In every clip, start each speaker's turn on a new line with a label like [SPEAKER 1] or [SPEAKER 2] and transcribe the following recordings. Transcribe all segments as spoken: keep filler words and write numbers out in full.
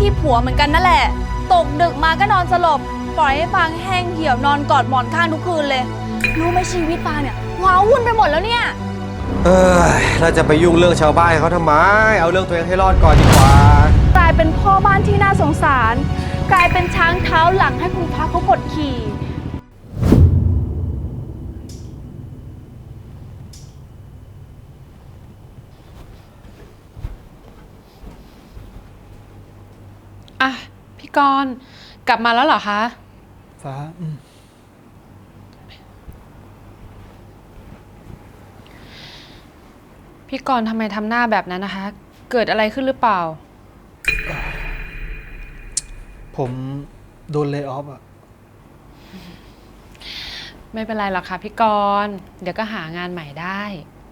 [SPEAKER 1] ที่ผัวเหมือนกันนั่นแหละตกดึกมาก็นอนสลบปล่อยให้ฟางแห้งเหี่ยวนอนกอดหมอนข้างทุกคืนเลยรู้ไหมชีวิตฟางเนี่ยว้าวุ่นไปหมดแล้วเนี่ย
[SPEAKER 2] เออเราจะไปยุ่งเรื่องชาวบ้านเขาทำไมเอาเรื่องตัวเองให้รอดก่อนดีกว่าก
[SPEAKER 1] ลายเป็นพ่อบ้านที่น่าสงสารกลายเป็นช้างเท้าหลังให้คุณพระเขากดขี่
[SPEAKER 3] อ่ะพี่กรณ์กลับมาแล้วเหรอคะ
[SPEAKER 4] ฟ้า
[SPEAKER 3] พี่กรณ์ทำไมทำหน้าแบบนั้นนะคะ เกิดอะไรขึ้นหรือเปล่า
[SPEAKER 4] ผมโดนเลย์ออฟอะ
[SPEAKER 3] ไม่เป็นไรหรอกค่ะพี่กรณ์เดี๋ยวก็หางานใหม่ได้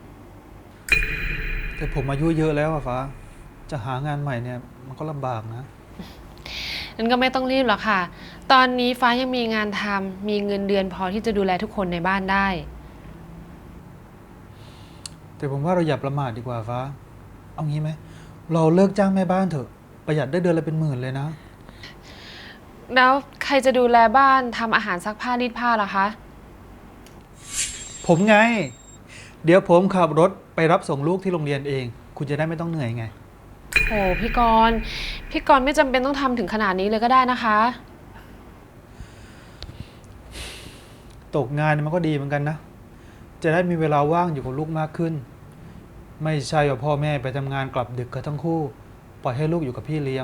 [SPEAKER 4] แต่ผมอายุเยอะแล้วอะฟ้าจะหางานใหม่เนี่ยมันก็ลำบากนะ
[SPEAKER 3] นั้นก็ไม่ต้องรีบหรอกค่ะตอนนี้ฟ้ายังมีงานทำมีเงินเดือนพอที่จะดูแลทุกคนในบ้านได้
[SPEAKER 4] แต่ผมว่าเราอย่าประมาทดีกว่าฟ้าเอางี้ไหมเราเลิกจ้างแม่บ้านเถอะประหยัดได้เดือนละเป็นหมื่นเลยนะ
[SPEAKER 3] แล้วใครจะดูแลบ้านทำอาหารซักผ้ารีดผ้าล่ะคะ
[SPEAKER 4] ผมไงเดี๋ยวผมขับรถไปรับส่งลูกที่โรงเรียนเองคุณจะได้ไม่ต้องเหนื่อยไง
[SPEAKER 3] โอ้พี่กรณ์พี่กรณ์ไม่จำเป็นต้องทำถึงขนาดนี้เลยก็ได้นะคะ
[SPEAKER 4] ตกงานมันก็ดีเหมือนกันนะจะได้มีเวลาว่างอยู่กับลูกมากขึ้นไม่ใช่ว่าพ่อแม่ไปทำงานกลับดึกกันทั้งคู่ปล่อยให้ลูกอยู่กับพี่เลี้ยง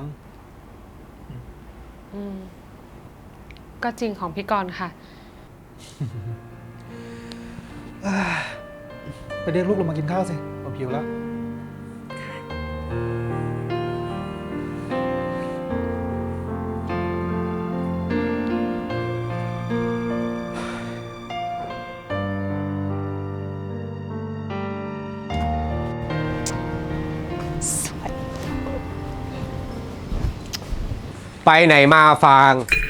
[SPEAKER 3] อืมก็จริงของพี่กรณ์ค่ะ
[SPEAKER 4] ไปเรียกลูกลงมากินข้าวสิผมหิวแล้ว
[SPEAKER 2] ไปไหนมาฟาง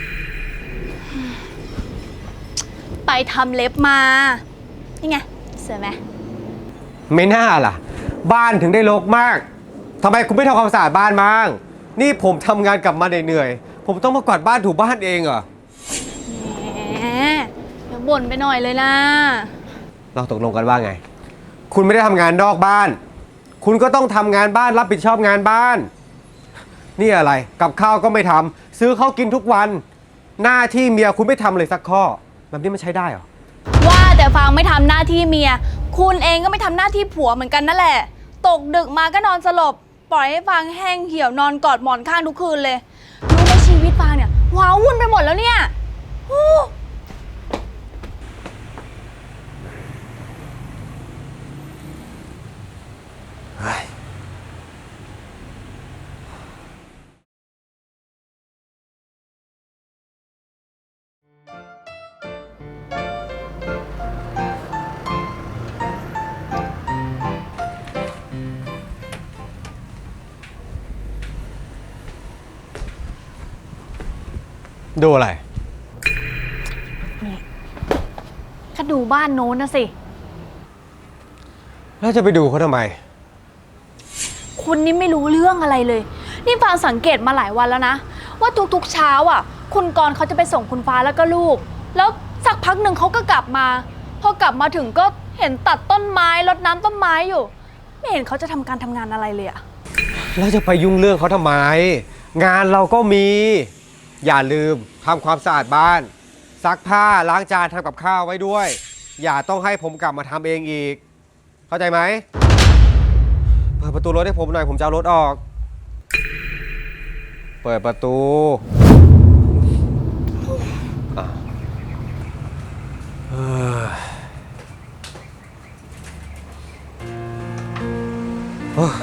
[SPEAKER 1] ไปทำเล็บมานี่ไงสวยไหม
[SPEAKER 2] ไม่น่าล่ะบ้านถึงได้รกมากทำไมคุณไม่ทำความสะอาดบ้านมั่งนี่ผมทำงานกลับมาเหนื่อยๆผมต้องมากวาดบ้านถูบ้านเองเหรอ
[SPEAKER 1] แหมเดี๋ยวบ่นไปหน่อยเลยนะ
[SPEAKER 2] เราตกลงกันว่าไงคุณไม่ได้ทำงานนอกบ้านคุณก็ต้องทำงานบ้านรับผิดชอบงานบ้านนี่อะไรกับข้าวก็ไม่ทำซื้อข้าวกินทุกวันหน้าที่เมียคุณไม่ทำเลยสักข้อแบบนี้มันใช้ได้เหรอ
[SPEAKER 1] ว่าแต่ฟางไม่ทำหน้าที่เมียคุณเองก็ไม่ทำหน้าที่ผัวเหมือนกันนั่นแหละตกดึกมาก็นอนสลบปล่อยให้ฟางแห้งเหี่ยวนอนกอดหมอนข้างทุกคืนเลยรู้ไหมชีวิตฟางเนี่ยว้าวุ่นไปหมดแล้วเนี่ย
[SPEAKER 2] ดูอะไร
[SPEAKER 1] นี่ก็ดูบ้านโน้นนะสิ
[SPEAKER 2] แล้วจะไปดูเขาทำไม
[SPEAKER 1] คุณนี่ไม่รู้เรื่องอะไรเลยนี่ฟางสังเกตมาหลายวันแล้วนะว่าทุกๆเช้าอ่ะคุณกรณ์เขาจะไปส่งคุณฟ้าแล้วก็ลูกแล้วสักพักหนึ่งเขาก็กลับมาพอกลับมาถึงก็เห็นตัดต้นไม้รดน้ำต้นไม้อยู่ไม่เห็นเขาจะทำการทำงานอะไรเลยอะ
[SPEAKER 2] แล้วจะไปยุ่งเรื่องเขาทำไมงานเราก็มีอย่าลืมทำความสะอาดบ้านซักผ้าล้างจานทำกับข้าวไว้ด้วยอย่าต้องให้ผมกลับมาทำเองอีกเข้าใจไหมเปิดประตูรถให้ผมหน่อยผมจะเอารถออกเปิดประตูเออ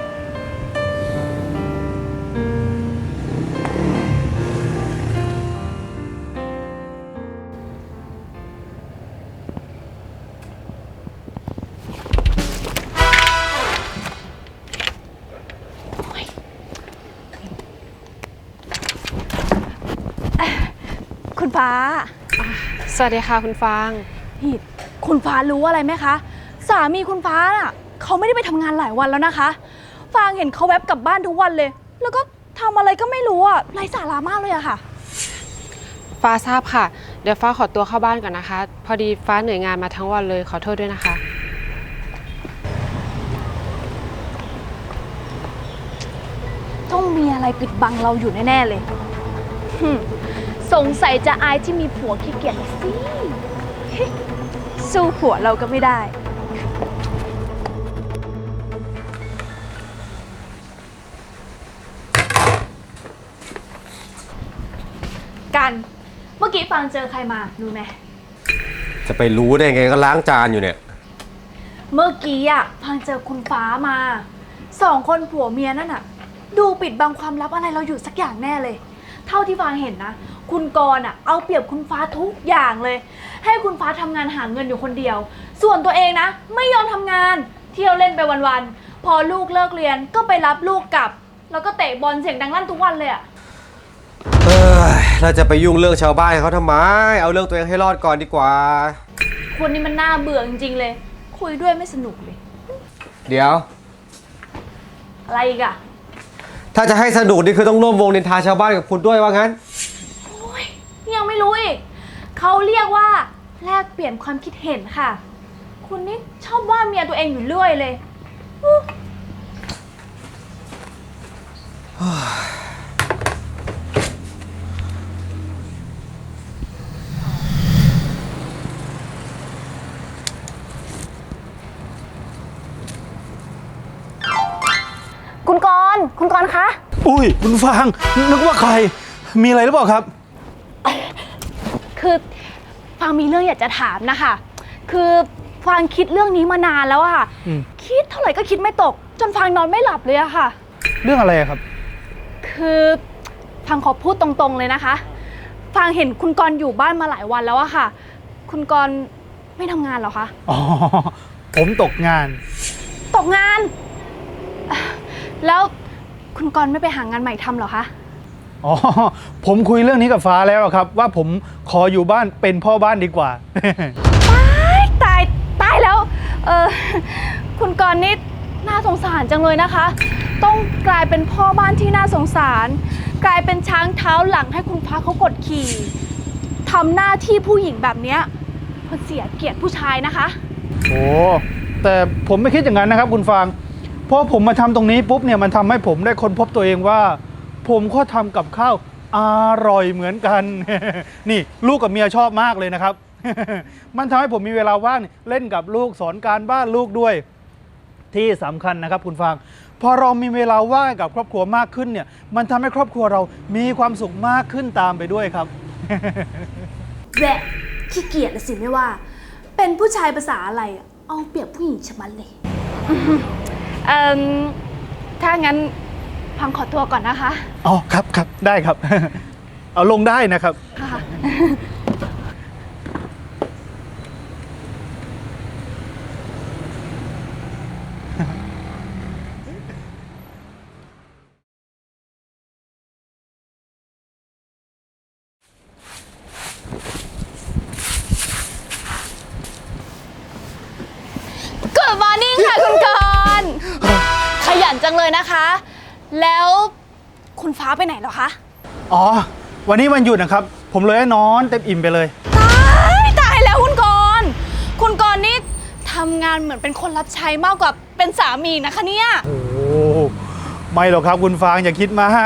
[SPEAKER 1] คุณฟ้า
[SPEAKER 3] สวัสดีค่ะคุณฟาง
[SPEAKER 1] นี่คุณฟ้ารู้อะไรไหมคะสามีคุณฟ้าน่ะเขาไม่ได้ไปทำงานหลายวันแล้วนะคะฟางเห็นเขาแวบกลับบ้านทุกวันเลยแล้วก็ทำอะไรก็ไม่รู้อะไร้สาระมากเลยอะค่ะ
[SPEAKER 3] ฟ้าทราบค่ะ เดี๋ยวฟ้าขอตัวเข้าบ้านก่อนนะคะ พอดีฟ้าเหนื่อยงานมาทั้งวันเลยขอโทษด้วยนะคะ
[SPEAKER 1] ต้องมีอะไรปิดบังเราอยู่แน่ ๆ เลยหึ่มสงสัยจะอายที่มีผัวขี้เกียจน่ะสิ สู้ผัวเราก็ไม่ได้ กัน เมื่อกี้ฟังเจอใครมารู้ไหม
[SPEAKER 2] จะไปรู้ได้ไงก็ล้างจานอยู่เนี่ย
[SPEAKER 1] เมื่อกี้อ่ะฟังเจอคุณฟ้ามาสองคนผัวเมียนั่นน่ะ ดูปิดบังความลับอะไรเราอยู่สักอย่างแน่เลย เท่าที่ฟังเห็นนะ คุณกรณ์อ่ะเอาเปรียบคุณฟ้าทุกอย่างเลย ให้คุณฟ้าทำงานหาเงินอยู่คนเดียว ส่วนตัวเองนะ ไม่ยอมทำงาน เที่ยวเล่นไปวันๆพอลูกเลิกเรียนก็ไปรับลูกกลับ แล้วก็เตะบอลเสียงดังลั่นทุกวันเลยอ่ะ
[SPEAKER 2] เออเราจะไปยุ่งเรื่องชาวบ้านเขาทำไม เอาเรื่องตัวเองให้รอดก่อนดีกว่า
[SPEAKER 1] คนนี้มันน่าเบื่อจริงๆเลย คุยด้วยไม่สนุกเลย
[SPEAKER 2] เดี๋ยว
[SPEAKER 1] อะไรอีกอ่ะ
[SPEAKER 2] ถ้าจะให้สนุกนี่คือต้องร่วมวงนินทาชาวบ้านกับคุณด้วยว่างั้น
[SPEAKER 1] โอ้ยยังไม่รู้อีก เขาเรียกว่าแลกเปลี่ยนความคิดเห็นค่ะ คุณนี่ชอบว่าเมียตัวเองอยู่เรื่อยเลยอู้ คุณกรณ์คุณกรณ์คะ
[SPEAKER 4] อุ้ยคุณฟางนึกว่าใคร มีอะไรหรือเปล่าครับ
[SPEAKER 1] คือฟางมีเรื่องอยากจะถามนะคะ คือฟางคิดเรื่องนี้มานานแล้วอะค่ะ
[SPEAKER 4] อืม
[SPEAKER 1] คิดเท่าไหร่ก็คิดไม่ตก จนฟางนอนไม่หลับเลยอะค่ะ
[SPEAKER 4] เรื่องอะไรอะครับ
[SPEAKER 1] คือฟางขอพูดตรงๆเลยนะคะ ฟางเห็นคุณกรณ์อยู่บ้านมาหลายวันแล้วอะค่ะ คุณกรณ์ไม่ทำงานเหรอคะ
[SPEAKER 4] อ๋อ ผมตกงาน
[SPEAKER 1] ตกงานอ่ะแล้วคุณกรณ์ไม่ไปหางานใหม่ทำเหรอคะ
[SPEAKER 4] อ๋อ ผมคุยเรื่องนี้กับฟ้าแล้วอะครับ ว่าผมขออยู่บ้านเป็นพ่อบ้านดีกว่า
[SPEAKER 1] ตายตายตายแล้ว เออคุณกรณ์นี่น่าสงสารจังเลยนะคะ ต้องกลายเป็นพ่อบ้านที่น่าสงสาร กลายเป็นช้างเท้าหลังให้คุณฟ้าเขากดขี่ทำหน้าที่ผู้หญิงแบบเนี้ยมันเสียเกียรติผู้ชายนะคะ
[SPEAKER 4] โอ้แต่ผมไม่คิดอย่างนั้นนะครับคุณฟางเพราะผมมาทำตรงนี้ปุ๊บเนี่ยมันทำให้ผมได้ค้นพบตัวเองว่า ผมก็ทำกับข้าวอร่อยเหมือนกัน นี่ลูกกับเมียชอบมากเลยนะครับ มันทำให้ผมมีเวลาว่างเล่นกับลูกสอนการบ้านลูกด้วย ที่สำคัญนะครับคุณฟางพอเรามีเวลาว่างกับครอบครัวมากขึ้นเนี่ยมันทำให้ครอบครัวเรามีความสุขมากขึ้นตามไปด้วยครับ
[SPEAKER 1] แหวะขี้เกียจละสิไม่ว่า เป็นผู้ชายภาษาอะไรอะเอาเปรียบผู้หญิงชะมัดเลย เอ่อถ้างั้นพังขอตัวก่อนนะคะ
[SPEAKER 4] อ๋อครับครับได้ครับ เอาลงได้นะครับ
[SPEAKER 1] ค่ะ Good morning ค่ะคุณกรณ์ขยันจังเลยนะคะ แล้วคุณฟ้าไปไหนเหรอคะ
[SPEAKER 4] อ๋อ วันนี้วันหยุดนะครับ ผมเลยให้นอนเต็มอิ่มไปเลย
[SPEAKER 1] ตายตายแล้วคุณกรณ์คุณกรณ์นี่ทำงานเหมือนเป็นคนรับใช้มากกว่าเป็นสามีนะคะเนี่ย
[SPEAKER 4] โอ้ไม่หรอกครับคุณฟางอย่าคิดมาก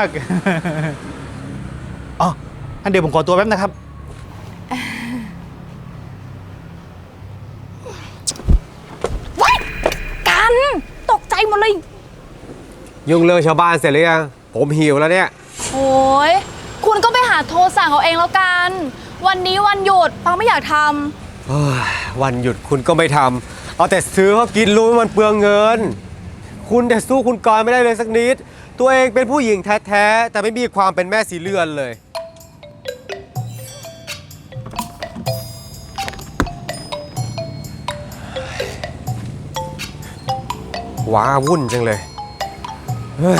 [SPEAKER 4] อ๋ออันเดี๋ยวผมขอตัวแป๊บนะครับ
[SPEAKER 1] ว้ายกันตกใจหมดเลย
[SPEAKER 2] ยุ่งเรื่องชาวบ้านเสร็จหรือยัง ผมหิวแล้วเนี่ย
[SPEAKER 1] โอ้ยคุณก็ไปหาโทรสั่งเอาเองแล้วกัน วันนี้วันหยุดฟังไม่อยากท
[SPEAKER 2] เฮ้ยวันหยุดคุณก็ไม่ทำเอาแต่ซื้อเขากินรู้ว่ามันเปลืองเงิน คุณแต่สู้คุณกรณ์ไม่ได้เลยสักนิด ตัวเองเป็นผู้หญิงแท้ๆแต่ไม่มีความเป็นแม่สีเลือนเลย ว้าวุ่นจังเลยเฮ้ย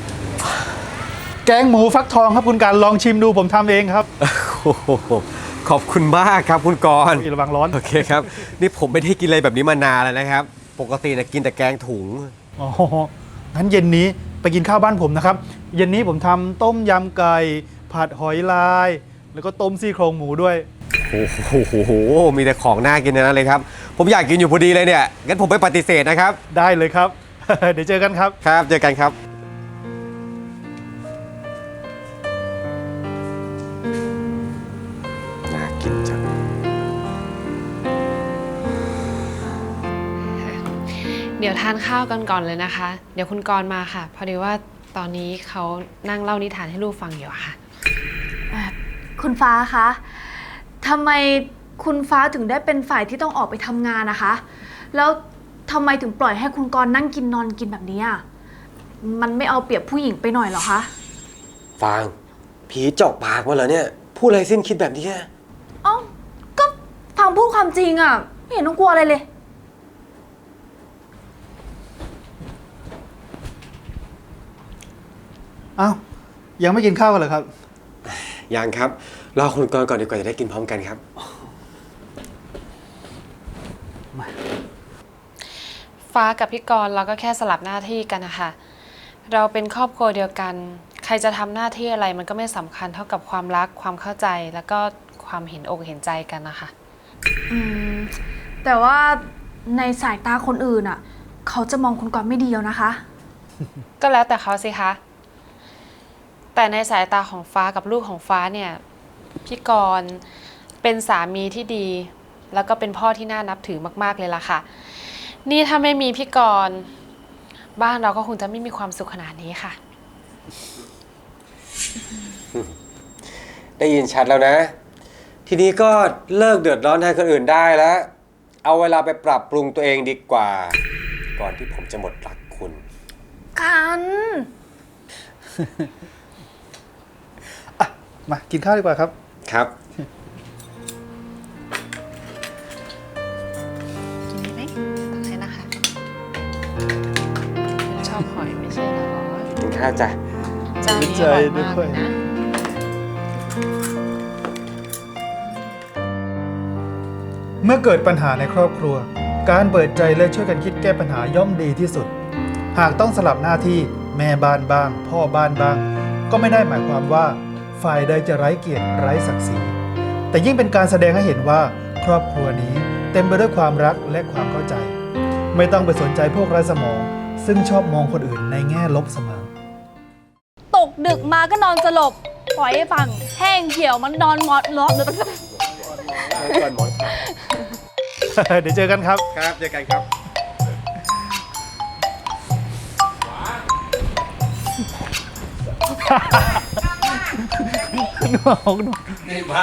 [SPEAKER 4] แกงหมูฟักทองครับคุณการลองชิมดูผมทำเองครับ
[SPEAKER 2] โอ้โหขขอบคุณมากครับคุณกรณ์
[SPEAKER 4] ระวังร้อน
[SPEAKER 2] โอเคครับ นี่ผมไม่ได้กินอะไรแบบนี้มานานแล้วนะครับ ปกตินะกินแต่แกงถุง
[SPEAKER 4] อ๋องั้นเย็นนี้ไปกินข้าวบ้านผมนะครับ เย็นนี้ผมทำต้มยำไก่ ผัดหอยลาย แล้วก็ต้มซี่โครงหมูด้วย
[SPEAKER 2] โอ้โห มีแต่ของน่ากินทั้งนั้นเลยครับ ผมอยากกินอยู่พอดีเลยเนี่ย งั้นผมไปปฏิเสธนะครับ
[SPEAKER 4] ได้เลยครับ เดี๋ยวเจอกันครับ
[SPEAKER 2] ครับ เจอกันครับ น่ากินจัง
[SPEAKER 3] เดี๋ยวทานข้าวกันก่อนเลยนะคะ เดี๋ยวคุณกรณ์มาค่ะ พอดีว่าตอนนี้เขานั่งเล่านิทานให้ลูกฟังอยู่อะค่ะ
[SPEAKER 1] คุณฟ้าคะทำไมคุณฟ้าถึงได้เป็นฝ่ายที่ต้องออกไปทำงานนะคะ แล้วทำไมถึงปล่อยให้คุณกรณ์นั่งกินนอนกินแบบนี้อ่ะ มันไม่เอาเปรียบผู้หญิงไปหน่อยเหรอคะ
[SPEAKER 2] ฟาง ผีเจาะปากมาเหรอเนี่ย พูดอะไรสิ้นคิดแบบนี้
[SPEAKER 1] เอ้าก็ฟังพูดความจริงอ่ะ ไม่เห็นต้องกลัวอะไรเลย
[SPEAKER 4] อ้าว ยังไม่กินข้าวกันเหรอครับ
[SPEAKER 2] ยังครับ รอคุณกรณ์ก่อนดีกว่าจะได้กินพร้อมกันครับ
[SPEAKER 3] ฟ้ากับพี่กรณ์เราก็แค่สลับหน้าที่กันนะคะ เราเป็นครอบครัวเดียวกัน ใครจะทำหน้าที่อะไรมันก็ไม่สำคัญเท่ากับความรักความเข้าใจแล้วก็ความเห็นอกเห็นใจกันนะคะ
[SPEAKER 1] อืม แต่ว่าในสายตาคนอื่นอ่ะ เขาจะมองคุณกรณ์ไม่ดีแล้วนะคะ
[SPEAKER 3] ก็แล้วแต่เขาสิคะ แต่ในสายตาของฟ้ากับลูกของฟ้าเนี่ย พี่กรณ์เป็นสามีที่ดี แล้วก็เป็นพ่อที่น่านับถือมากๆเลยล่ะค่ะ นี่ถ้าไม่มีพี่กรณ์บ้านเราก็คงจะไม่มีความสุขขนาดนี้ค่ะ
[SPEAKER 2] ได้ยินชัดแล้วนะ ทีนี้ก็เลิกเดือดร้อนแทนคนอื่นได้แล้ว เอาเวลาไปปรับปรุงตัวเองดีกว่า ก่อนที่ผมจะหมดรักคุณ
[SPEAKER 1] กัน
[SPEAKER 4] มากินข้าวดีกว่าครับ
[SPEAKER 2] ครับ
[SPEAKER 3] กินได้ไหมตักให้นะคะคุณชอบหอยไม่ใช่เหรอ
[SPEAKER 2] กินข้าวจ้ะ
[SPEAKER 3] เจ้านี้อร่อยมากเลยนะ
[SPEAKER 4] เมื่อเกิดปัญหาในครอบครัว การเปิดใจและช่วยกันคิดแก้ปัญหาย่อมดีที่สุด หากต้องสลับหน้าที่แม่บ้านบ้าง พ่อบ้านบ้าง ก็ไม่ได้หมายความว่าฝ่ายใดจะไร้เกียรติไร้ศักดิ์ศรีแต่ยิ่งเป็นการแสดงให้เห็นว่าครอบครัวนี้เต็มไปด้วยความรักและความเข้าใจ ไม่ต้องไปสนใจพวกไร้สมอง ซึ่งชอบมองคนอื่นในแง่ลบเสมอ
[SPEAKER 1] ตกดึกมาก็นอนสลบ ปล่อยให้ฟังแห้งเหี่ยวมันนอนหมดล้อม
[SPEAKER 4] เดี๋ยวเจอกันครับ
[SPEAKER 2] ครับ เจอกันครับ
[SPEAKER 4] น้อง